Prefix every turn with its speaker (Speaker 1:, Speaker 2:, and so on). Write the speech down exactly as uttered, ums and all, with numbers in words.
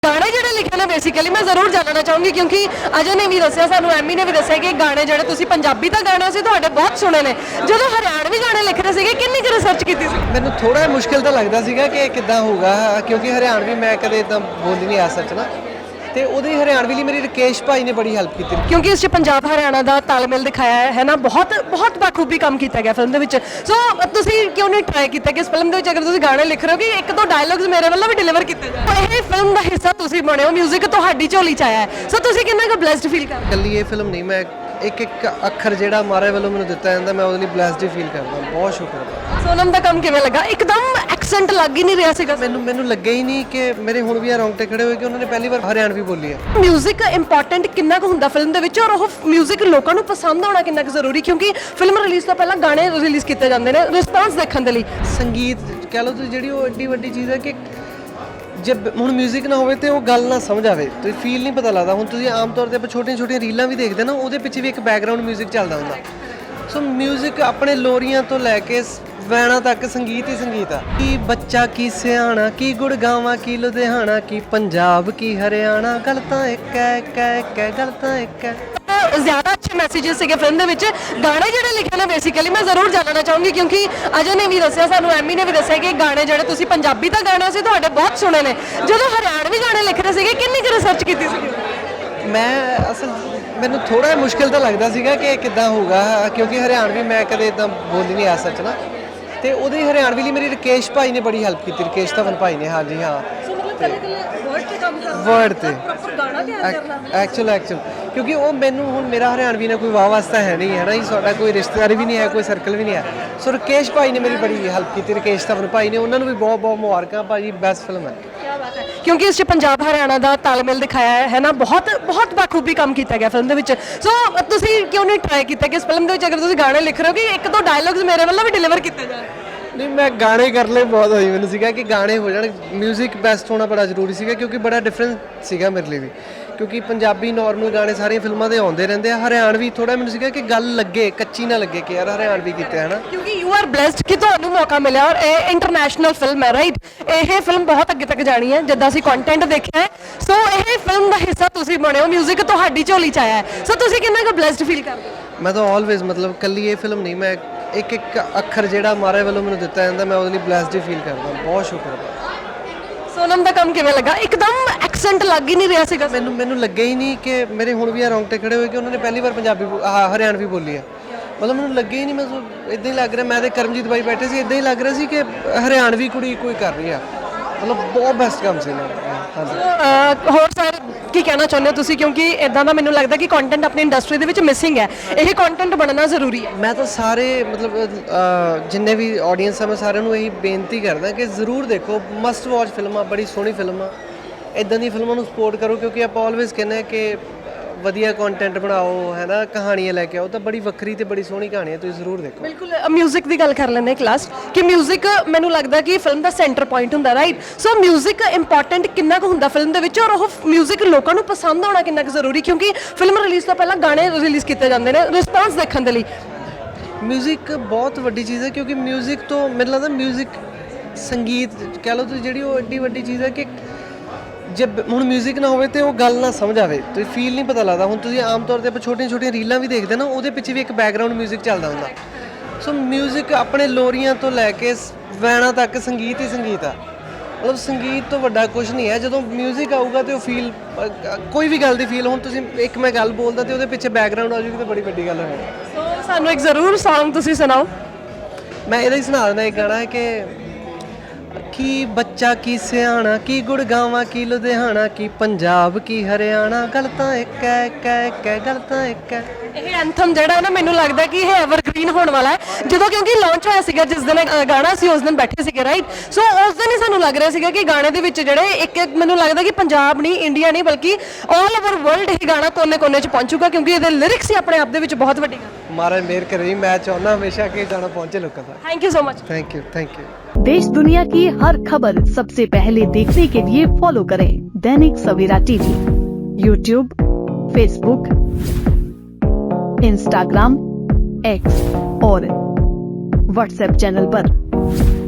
Speaker 1: गाने ਜਿਹੜੇ ਲਿਖੇ ਨੇ ਬੇਸਿਕਲੀ ਮੈਂ ਜ਼ਰੂਰ ਜਾਣਨਾ ਚਾਹੂੰਗੀ ਕਿਉਂਕਿ ਅਜੇ ਨੇ ਵੀ ਦੱਸਿਆ ਸਾਨੂੰ ਐਮੀ ਨੇ ਵੀ ਦੱਸਿਆ ਕਿ ਗਾਣੇ ਜਿਹੜੇ ਤੁਸੀਂ ਪੰਜਾਬੀ ਤਾਂ ਗਾਣੇ ਸੀ ਤੁਹਾਡੇ ਬਹੁਤ ਸੁਣੇ ਨੇ ਜਦੋਂ ਹਰਿਆਣਵੀ ਗਾਣੇ ਲਿਖ ਰਹੇ ਸੀਗੇ ਕਿੰਨੀ ਕੁ ਰਿਸਰਚ ਕੀਤੀ ਸੀ
Speaker 2: ਮੈਨੂੰ ਥੋੜਾ ਮੁਸ਼ਕਿਲ ਤਾਂ ਲੱਗਦਾ ਸੀਗਾ ਕਿ ਕਿੱਦਾਂ ਹੋਊਗਾ ਕਿਉਂਕਿ ਹਰਿਆਣਵੀ ਮੈਂ ਕਦੇ ਇਦਾਂ ਬੋਲੀ ਨਹੀਂ ਆ ਸੱਚ ਨਾ ਤੇ ਉਹਦੀ ਹਰਿਆਣਵੀ ਲਈ ਮੇਰੀ ਰਕੇਸ਼ ਭਾਈ ਨੇ ਬੜੀ ਹੈਲਪ ਕੀਤੀ
Speaker 1: ਕਿਉਂਕਿ ਇਸ 'ਚ ਪੰਜਾਬ ਹਰਿਆਣਾ ਦਾ ਤਾਲਮੇਲ ਦਿਖਾਇਆ ਹੈ ਹੈ ਨਾ ਬਹੁਤ ਬਹੁਤ ਬਾਖੂਬੀ ਕੰਮ ਕੀਤਾ ਗਿਆ ਫਿਲਮ ਦੇ ਵਿੱਚ ਸੋ ਤੁਸੀਂ ਕਿਉਂ ਨਹੀਂ ਟਰਾਈ ਕੀਤਾ ਕਿ ਇਸ ਫਿਲਮ ਦੇ ਵਿੱਚ ਅਗਰ ਤੁਸੀਂ ਗਾਣੇ ਲਿਖ ਰਹੇ ਹੋ ਕਿ ਇੱਕ ਦੋ ਡਾਇਲੌਗਸ ਮੇਰੇ ਵੱਲੋਂ ਵੀ ਡਿਲੀਵਰ ਕੀਤੇ ਜਾਣ ਇਹ ਫਿਲਮ ਦਾ ਹਿੱਸਾ ਤੁਸੀਂ ਬਣੇ ਹੋ 뮤직 ਤੁਹਾਡੀ ਝੋਲੀ 'ਚ ਆਇਆ ਹੈ ਸੋ ਤੁਸੀਂ ਕਿੰਨਾ ਕੁ ਬਲੈਸਡ ਫੀਲ ਕਰਦੇ ਹੋ
Speaker 2: ਕੱਲੀ ਇਹ ਫਿਲਮ ਨਹੀਂ ਮੈਂ ਇੱਕ ਇੱਕ ਅੱਖਰ ਜਿਹੜਾ ਮਾਰੇ ਵੱਲੋਂ ਮੈਨੂੰ ਦਿੱਤਾ ਜਾਂਦਾ ਮੈਂ ਉਹਦੇ ਲਈ ਬਲੈਸਡ ਫੀਲ ਕਰਦਾ ਬਹੁਤ ਸ਼ੁਕਰ
Speaker 1: ਸੋਨਮ ਦਾ ਕੰਮ ਕਿਵੇਂ ਲੱਗਾ ਇੱਕਦਮ ਐਕਸੈਂਟ ਲੱਗ ਹੀ ਨਹੀਂ ਰਿਹਾ ਸੀਗਾ
Speaker 2: ਮੈਨੂੰ ਮੈਨੂੰ ਲੱਗਿਆ ਹੀ ਨਹੀਂ ਕਿ ਮੇਰੇ ਹੁਣ ਵੀ ਆ ਰੌਂਗਟੇ ਖੜੇ ਹੋਏ ਕਿ ਉਹਨਾਂ ਨੇ ਪਹਿਲੀ ਵਾਰ ਹਰਿਆਣਵੀ ਬੋਲੀ ਹੈ
Speaker 1: 뮤직 ਇੰਪੋਰਟੈਂਟ ਕਿੰਨਾ ਕੁ ਹੁੰਦਾ ਫਿਲਮ ਦੇ ਵਿੱਚ ਔਰ ਉਹ 뮤직 ਲੋਕਾਂ ਨੂੰ ਪਸੰਦ ਆਉਣਾ ਕਿੰਨਾ ਕੁ ਜ਼ਰੂਰੀ ਕਿਉਂਕਿ ਫਿਲਮ ਰਿਲੀਜ਼ ਤੋਂ ਪਹਿਲਾਂ ਗਾਣੇ ਰਿਲੀਜ਼ ਕੀਤੇ ਜਾਂਦੇ ਨੇ ਰਿਸਪਾਂਸ ਦੇਖਣ ਦੇ ਲਈ
Speaker 2: ਸੰਗੀਤ ਕਹਿ ਲਓ ਤੁਸੀਂ ਜਿਹੜੀ ਉਹ ਐਡੀ ਵੱਡੀ ਚੀਜ਼ ਹੈ ਕਿ ਜੇ ਹੁਣ 뮤직 ਨਾ ਹੋਵੇ ਤੇ ਉਹ ਗੱਲ ਨਾ ਸਮਝ ਆਵੇ ਤੇ ਫੀਲ ਨਹੀਂ ਪਤਾ ਲੱਗਦਾ ਹੁਣ ਤੁਸੀਂ ਆਮ ਤੌਰ ਤੇ ਆਪਾਂ ਛੋਟੀਆਂ ਛੋਟੀਆਂ ਰੀਲਾਂ ਵੀ ਦੇਖਦੇ ਨਾ ਉਹਦੇ ਪਿੱਛੇ ਵੀ ਇੱਕ ਬੈਕਗ੍ਰਾਉਂਡ 뮤직 ਚੱਲਦਾ ਹੁੰਦਾ ਸੋ 뮤직 ਆਪਣੇ ਲੋਰੀਆਂ ਤੋਂ ਲੈ ਕੇ ਵੈਣਾ ਤੱਕ ਸੰਗੀਤ ਹੀ ਸੰਗੀਤ ਆ ਕੀ ਬੱਚਾ ਕੀ ਸਿਆਣਾ ਕੀ ਗੁੜਗਾਵਾਂ ਕੀ ਲੁਧਿਆਣਾ ਕੀ ਪੰਜਾਬ ਕੀ ਹਰਿਆਣਾ ਗੱਲ ਤਾਂ ਇੱਕ ਹੈ ਇੱਕ ਹੈ ਇੱਕ ਹੈ ਗੱਲ ਤਾਂ ਇੱਕ ਹੈ
Speaker 1: ਜ਼ਿਆਦਾ ਅੱਛੇ ਮੈਸੇजेस ਸੀਗੇ ਫਿਲਮ ਦੇ ਵਿੱਚ ਗਾਣੇ ਜਿਹੜੇ ਲਿਖੇ ਨੇ ਬੇਸਿਕਲੀ ਮੈਂ ਜ਼ਰੂਰ ਜਾਣਨਾ ਚਾਹੂੰਗੀ ਕਿਉਂਕਿ ਅਜੇ ਨੇ ਵੀ ਦੱਸਿਆ ਸਾਨੂੰ ਐਮੀ ਨੇ ਵੀ ਦੱਸਿਆ ਕਿ ਗਾਣੇ ਜਿਹੜੇ ਤੁਸੀਂ ਪੰਜਾਬੀ ਤਾਂ ਗਾਣੇ ਸੀ ਤੁਹਾਡੇ ਬਹੁਤ ਸੁਣੇ ਨੇ ਜਦੋਂ ਹਰਿਆਣਵੀ ਗਾਣੇ ਲਿਖ ਰਹੇ ਸੀਗੇ ਕਿੰਨੀ ਕੁ ਰਿਸਰਚ ਕੀਤੀ ਸੀ
Speaker 2: ਮੈਂ ਅਸਲ ਮੈਨੂੰ ਥੋੜਾ ਮੁਸ਼ਕਿਲ ਤਾਂ ਲੱਗਦਾ ਸੀਗਾ ਕਿ ਕਿੱਦਾਂ ਹੋਊਗਾ ਕਿਉਂਕਿ ਹਰਿਆਣਵੀ ਮੈਂ ਕਦੇ ਇਦਾਂ ਬੋਲੀ ਨਹੀਂ ਆ ਸੱਚ ਨਾ ਤੇ ਉਹਦੀ ਹਰਿਆਣਵੀ ਲਈ ਮੇਰੀ ਰਕੇਸ਼ ਭਾਈ ਨੇ ਬੜੀ ਹੈਲਪ ਕੀਤੀ ਰਕੇਸ਼ ਧਵਨ ਭਾਈ ਨੇ ਹਾਂਜੀ ਹਾਂ ਵਰਡ ਤੇ ਐਕਚੁਅਲ ਐਕਚੁਅਲ ਕਿਉਂਕਿ ਉਹ ਮੈਨੂੰ ਹੁਣ ਮੇਰਾ ਹਰਿਆਣਵੀ ਨਾਲ ਕੋਈ ਵਾਹ ਵਾਸਤਾ ਹੈ ਨਹੀਂ ਹੈ ਨਾ ਜੀ ਸਾਡਾ ਕੋਈ ਰਿਸ਼ਤੇਦਾਰ ਵੀ ਨਹੀਂ ਹੈ ਕੋਈ ਸਰਕਲ ਵੀ ਨਹੀਂ ਹੈ ਸੋ ਰਕੇਸ਼ ਭਾਈ ਨੇ ਮੇਰੀ ਬੜੀ ਹੈਲਪ ਕੀਤੀ ਰਕੇਸ਼ ਧਵਨ ਭਾਈ ਨੇ ਉਹਨਾਂ ਨੂੰ ਵੀ ਬਹੁਤ ਬਹੁਤ ਮੁਬਾਰਕਾਂ ਭਾਜੀ ਬੈਸਟ ਫਿਲਮ ਹੈ
Speaker 1: ਕਿਉਂਕਿ ਇਸ 'ਚ ਪੰਜਾਬ ਹਰਿਆਣਾ ਦਾ ਤਾਲਮੇਲ ਦਿਖਾਇਆ ਹੈ ਹੈ ਨਾ ਬਹੁਤ ਬਹੁਤ ਬਾਖੂਬੀ ਕੰਮ ਕੀਤਾ ਗਿਆ ਫਿਲਮ ਦੇ ਵਿੱਚ ਸੋ ਤੁਸੀਂ ਕਿਉਂ ਨਹੀਂ ਟਰਾਈ ਕੀਤਾ ਕਿ ਇਸ ਫਿਲਮ ਦੇ ਵਿੱਚ ਅਗਰ ਤੁਸੀਂ ਗਾਣੇ ਲਿਖ ਰਹੇ ਹੋ ਕਿ ਇੱਕ ਦੋ ਡਾਇਲੌਗਸ ਮੇਰੇ ਵੱਲੋਂ ਵੀ ਡਿਲੀਵਰ ਕੀਤੇ ਜਾਣ
Speaker 2: ਨਹੀਂ ਮੈਂ ਗਾਣੇ ਕਰ ਲਏ ਬਹੁਤ ਹੋਈ ਮੈਨੂੰ ਸੀਗਾ ਕਿ ਗਾਣੇ ਹੋ ਜਾਣ 뮤직 ਬੈਸਟ ਹੋਣਾ ਬੜਾ ਜ਼ਰੂਰੀ ਸੀਗਾ ਕਿਉਂਕਿ ਬੜਾ ਡਿਫਰੈਂਟ ਸੀਗਾ ਮੇਰੇ ਲਈ ਵੀ ਕਿਉਂਕਿ ਪੰਜਾਬੀ ਨਾਰਮਲ ਗਾਣੇ ਸਾਰੀਆਂ ਫਿਲਮਾਂ ਦੇ ਆਉਂਦੇ ਰਹਿੰਦੇ ਆ ਹਰਿਆਣਵੀ ਥੋੜਾ ਮੈਨੂੰ ਸੀਗਾ ਕਿ ਗੱਲ ਲੱਗੇ ਕੱਚੀ ਨਾ ਲੱਗੇ ਕਿ ਯਾਰ ਹਰਿਆਣਵੀ ਕੀਤੇ ਹੈ ਨਾ
Speaker 1: ਕਿਉਂਕਿ ਯੂ ਆਰ ਬlesed ਕਿ ਤੁਹਾਨੂੰ ਮੌਕਾ ਮਿਲਿਆ ਔਰ ਇਹ ਇੰਟਰਨੈਸ਼ਨਲ ਫਿਲਮ ਹੈ ਰਾਈਟ ਇਹ ਫਿਲਮ ਬਹੁਤ ਅੱਗੇ ਤੱਕ ਜਾਣੀ ਹੈ ਜਿੱਦਾਂ ਅਸੀਂ ਕੰਟੈਂਟ ਦੇਖਿਆ ਹੈ ਸੋ ਇਹ ਫਿਲਮ ਦਾ ਹਿੱਸਾ ਤੁਸੀਂ ਬਣੇ ਹੋ 뮤직 ਤੁਹਾਡੀ ਝੋਲੀ 'ਚ ਆਇਆ ਹੈ ਸੋ ਤੁਸੀਂ ਕਿੰਨਾ ਕੁ ਬlesed ਫੀਲ ਕਰਦੇ ਹੋ
Speaker 2: ਮੈਂ ਤਾਂ ਆਲਵੇਜ਼ ਮਤਲਬ ਕੱਲੀ ਇਹ ਫਿਲਮ ਨਹੀਂ ਮੈਂ ਇੱਕ ਇੱਕ ਅੱਖਰ ਜਿਹੜਾ ਮਾਰੇ ਵੱਲੋਂ ਮੈਨੂੰ ਦਿੱਤਾ ਜਾਂਦਾ ਮੈਂ ਉਹਦੇ ਲਈ ਬlesed ਫੀਲ ਕਰਦਾ ਬਹੁਤ ਸ਼ੁਕਰ
Speaker 1: ਸੋਨਮ ਦਾ ਕੰਮ ਕਿਵੇਂ ਲੱਗਾ ਇੱਕਦਮ ਐਕਸੈਂਟ ਲੱਗ ਹੀ ਨਹੀਂ ਰਿਹਾ ਸੀਗਾ
Speaker 2: ਮੈਨੂੰ ਮੈਨੂੰ ਲੱਗਿਆ ਹੀ ਨਹੀਂ ਕਿ ਮੇਰੇ ਹੁਣ ਵੀ ਆ ਰੌਂਗਟੇ ਖੜੇ ਹੋਏ ਕਿ ਉਹਨਾਂ ਨੇ ਪਹਿਲੀ ਵਾਰ ਪੰਜਾਬੀ ਹਰਿਆਣਵੀ ਬੋਲੀ ਹੈ ਮਤਲਬ ਮੈਨੂੰ ਲੱਗਿਆ ਹੀ ਨਹੀਂ ਮੈਂ ਇਦਾਂ ਹੀ ਲੱਗ ਰਿਹਾ ਮੈਂ ਤੇ ਕਰਮਜੀਤ ਬਾਈ ਬੈਠੇ ਸੀ ਇਦਾਂ ਹੀ ਲੱਗ ਰਿਹਾ ਸੀ ਕਿ ਹਰਿਆਣਵੀ ਕੁੜੀ ਕੋਈ ਕਰ ਰਹੀ ਆ ਮਤਲਬ ਬਹੁਤ ਬੈਸਟ ਕੰਮ ਸੀ
Speaker 1: ਹਾਂਜੀ ਹੋਰ ਸਰ ਕੀ ਕਹਿਣਾ ਚਾਹੁੰਦੇ ਹੋ ਤੁਸੀਂ ਕਿਉਂਕਿ ਇਦਾਂ ਦਾ ਮੈਨੂੰ ਲੱਗਦਾ ਕਿ ਕੰਟੈਂਟ ਆਪਣੀ ਇੰਡਸਟਰੀ ਦੇ ਵਿੱਚ ਮਿਸਿੰਗ ਹੈ ਇਹ ਕੰਟੈਂਟ ਬਣਨਾ ਜ਼ਰੂਰੀ ਹੈ
Speaker 2: ਮੈਂ ਤਾਂ ਸਾਰੇ ਮਤਲਬ ਜਿੰਨੇ ਵੀ ਆਡੀਅנס ਆ ਮੈਂ ਸਾਰਿਆਂ ਨੂੰ ਇਹੀ ਬੇਨਤੀ ਕਰਦਾ ਕਿ ਜ਼ਰੂਰ ਦੇਖੋ ਮਸਟ ਵਾਚ ਫਿਲਮ ਆ ਬੜੀ ਸੋਹਣੀ ਫਿਲਮ ਆ ਇਦਾਂ ਦੀ ਫਿਲਮਾਂ ਨੂੰ ਸਪੋਰਟ ਕਰੋ ਕਿਉਂਕਿ ਆਪਾਂ ਆਲਵੇਜ਼ ਕਹਿੰਦੇ ਆ ਕਿ ਵਧੀਆ ਕੰਟੈਂਟ ਬਣਾਓ ਹੈ ਨਾ ਕਹਾਣੀਆਂ ਲੈ ਕੇ ਆਓ ਤਾਂ ਬੜੀ ਵੱਖਰੀ ਤੇ ਬੜੀ ਸੋਹਣੀ ਕਹਾਣੀ ਹੈ ਤੁਸੀਂ ਜ਼ਰੂਰ ਦੇਖੋ
Speaker 1: ਬਿਲਕੁਲ 뮤직 ਦੀ ਗੱਲ ਕਰ ਲੈਂਦੇ ਕਲਾਸ ਕਿ 뮤직 ਮੈਨੂੰ ਲੱਗਦਾ ਕਿ ਫਿਲਮ ਦਾ ਸੈਂਟਰ ਪੁਆਇੰਟ ਹੁੰਦਾ ਰਾਈਟ ਸੋ 뮤직 ਇੰਪੋਰਟੈਂਟ ਕਿੰਨਾ ਕੁ ਹੁੰਦਾ ਫਿਲਮ ਦੇ ਵਿੱਚ ਔਰ ਉਹ 뮤직 ਲੋਕਾਂ ਨੂੰ ਪਸੰਦ ਆਉਣਾ ਕਿੰਨਾ ਕੁ ਜ਼ਰੂਰੀ ਕਿਉਂਕਿ ਫਿਲਮ ਰਿਲੀਜ਼ ਤੋਂ ਪਹਿਲਾਂ ਗਾਣੇ ਰਿਲੀਜ਼ ਕੀਤੇ ਜਾਂਦੇ ਨੇ ਰਿਸਪਾਂਸ ਦੇਖਣ ਦੇ ਲਈ
Speaker 2: 뮤직 ਬਹੁਤ ਵੱਡੀ ਚੀਜ਼ ਹੈ ਕਿਉਂਕਿ 뮤직 ਤੋਂ ਮੈਨੂੰ ਲੱਗਦਾ 뮤직 ਸੰਗੀਤ ਕਹਿ ਲਓ ਤੁਸੀਂ ਜਿਹੜੀ ਉਹ ਐਡੀ ਵੱਡੀ ਚੀਜ਼ ਹੈ ਕਿ ਜੇ ਹੁਣ 뮤직 ਨਾ ਹੋਵੇ ਤੇ ਉਹ ਗੱਲ ਨਾ ਸਮਝ ਆਵੇ ਤੇ ਫੀਲ ਨਹੀਂ ਪਤਾ ਲੱਗਦਾ ਹੁਣ ਤੁਸੀਂ ਆਮ ਤੌਰ ਤੇ ਆਪਾਂ ਛੋਟੀਆਂ ਛੋਟੀਆਂ ਰੀਲਾਂ ਵੀ ਦੇਖਦੇ ਨਾ ਉਹਦੇ ਪਿੱਛੇ ਵੀ ਇੱਕ ਬੈਕਗ੍ਰਾਉਂਡ 뮤직 ਚੱਲਦਾ ਹੁੰਦਾ ਸੋ 뮤직 ਆਪਣੇ ਲੋਰੀਆਂ ਤੋਂ ਲੈ ਕੇ ਵੈਣਾ ਤੱਕ ਸੰਗੀਤ ਹੀ ਸੰਗੀਤ ਆ ਮਤਲਬ ਸੰਗੀਤ ਤੋਂ ਵੱਡਾ ਕੁਝ ਨਹੀਂ ਹੈ ਜਦੋਂ 뮤직 ਆਊਗਾ ਤੇ ਉਹ ਫੀਲ ਕੋਈ ਵੀ ਗੱਲ ਦੀ ਫੀਲ ਹੁਣ ਤੁਸੀਂ ਇੱਕ ਮੈਂ ਗੱਲ ਬੋਲਦਾ ਤੇ ਉਹਦੇ ਪਿੱਛੇ ਬੈਕਗ੍ਰਾਉਂਡ ਆ ਜੂਗੀ ਤੇ ਬੜੀ ਵੱਡੀ ਗੱਲ ਹੋਣੀ
Speaker 1: ਸੋ ਸਾਨੂੰ ਇੱਕ ਜ਼ਰੂਰ ਸੌਂਗ ਤੁਸੀਂ ਸੁਣਾਓ
Speaker 2: ਮੈਂ ਇਹਦਾ ਹੀ ਸੁਣਾ ਦਿੰਦਾ ਇੱਕ ਗਾਣਾ ਹੈ ਕਿ ਕੀ ਬੱਚਾ ਕੀ ਸਿਆਣਾ ਕੀ ਗੁੜਗਾਵਾਂ ਕੀ ਲੁਧਿਆਣਾ ਕੀ ਪੰਜਾਬ ਕੀ ਹਰਿਆਣਾ ਗੱਲ ਤਾਂ ਇੱਕ ਹੈ ਇੱਕ ਹੈ ਇੱਕ ਹੈ ਗੱਲ ਤਾਂ ਇੱਕ ਹੈ
Speaker 1: ਇਹ ਐਂਥਮ ਜਿਹੜਾ ਹੈ ਨਾ ਮੈਨੂੰ ਲੱਗਦਾ ਕਿ ਇਹ ਐਵਰਗ੍ਰੀਨ ਹੋਣ ਵਾਲਾ ਹੈ ਜਦੋਂ ਕਿਉਂਕਿ ਲਾਂਚ ਹੋਇਆ ਸੀਗਾ ਜਿਸ ਦਿਨ ਗਾਣਾ ਸੀ ਉਸ ਦਿਨ ਬੈਠੇ ਸੀਗੇ ਰਾਈਟ ਸੋ ਉਸ ਦਿਨ ਹੀ ਸਾਨੂੰ ਲੱਗ ਰਿਹਾ ਸੀਗਾ ਕਿ ਗਾਣੇ ਦੇ ਵਿੱਚ ਜਿਹੜੇ ਇੱਕ ਇੱਕ ਮੈਨੂੰ ਲੱਗਦਾ ਕਿ ਪੰਜਾਬ ਨਹੀਂ ਇੰਡੀਆ ਨਹੀਂ ਬਲਕਿ ਆਲ ਓਵਰ ਵਰਲਡ ਇਹ ਗਾਣਾ ਕੋਨੇ ਕੋਨੇ 'ਚ ਪਹੁੰਚੂਗਾ ਕਿਉਂਕਿ ਇਹਦੇ ਲਿਰਿਕਸ ਹੀ ਆਪਣੇ ਆਪ ਦੇ ਵਿੱਚ ਬਹੁਤ ਵੱਡੀ ਗੱਲ
Speaker 2: ਮਹਾਰਾਜ ਮਿਹਰ ਕਰੇ ਮੈਂ ਚਾਹੁੰਦਾ ਹਮੇਸ਼ਾ ਕਿ ਗਾਣਾ ਪਹੁੰਚੇ ਲੋਕਾਂ ਤੱਕ
Speaker 1: thank you so much
Speaker 2: thank you thank you
Speaker 3: देश दुनिया की हर खबर सबसे पहले देखने के लिए फॉलो करें Dainik Savera TV, YouTube, Facebook, Instagram, X और व्हाट्सएप चैनल पर।